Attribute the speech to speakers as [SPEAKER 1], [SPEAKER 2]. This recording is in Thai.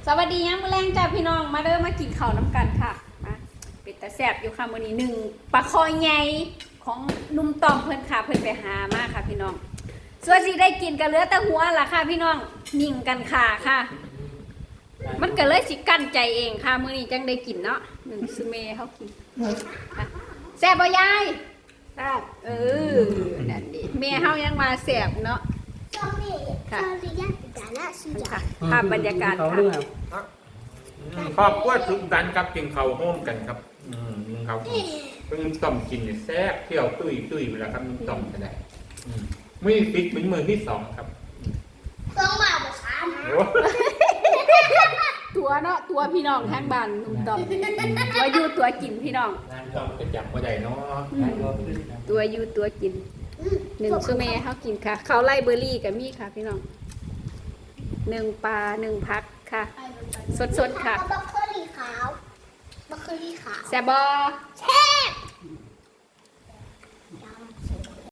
[SPEAKER 1] สวัสดียังมื้อแรงจ้าพี่น้องมาเด้อมากินข้าวน้ำกันค่ะมาเป็ดตาแซ่บอยู่ค่ะมื้อนี้หนึ่งปลาคอใหญ่ของนุ่มต่อมเพิ่นค่ะเพิ่นไปหามาค่ะพี่น้องส่วนสิได้กินก็เหลือแต่หัวล่ะค่ะพี่น้องนิ่งกันค่ะมันก็เลยสิกั้นใจเองค่ะมื้อนี้จังได้กินเนาะหนึ่งซุเมเฮากินค่ะแซ่บบ่ยายแซ่บนั่นดิแม่เฮายังมาแซ่บเนาะค่ะค่ะภาพบรรยากาศค่ะ
[SPEAKER 2] ครอบครัวสุขสันต์ครับกินข้าวโฮมกันครับกินข้าวเพิ่งต้มกินเนี่ยแซ่บเที่ยวตุ้ยเวลาครับมึงต้มกันได้มือฟิกเป็นมือที่สองครับ
[SPEAKER 3] ต้องมาบอกสาม
[SPEAKER 2] โอ้
[SPEAKER 1] ตัวเนาะตัวพี่น้องทางบ้านนุ่มต่อมตัวอยู่ตัวกินพี่น้อง
[SPEAKER 2] งานต้มก็จับมาได้เนาะ
[SPEAKER 1] ตัวอยู่ตัวกินหนึ่งซูเม่เขากินค่ะเขาไล่เบอร์รี่กับมี่ค่ะพี่น้องหนึ่งปลาหนึ่งพักค่ะ สดๆค่ะ
[SPEAKER 3] บัคเคอรี่ขาวบัคเคอรี่ขาว
[SPEAKER 1] แซบบอ
[SPEAKER 3] แช่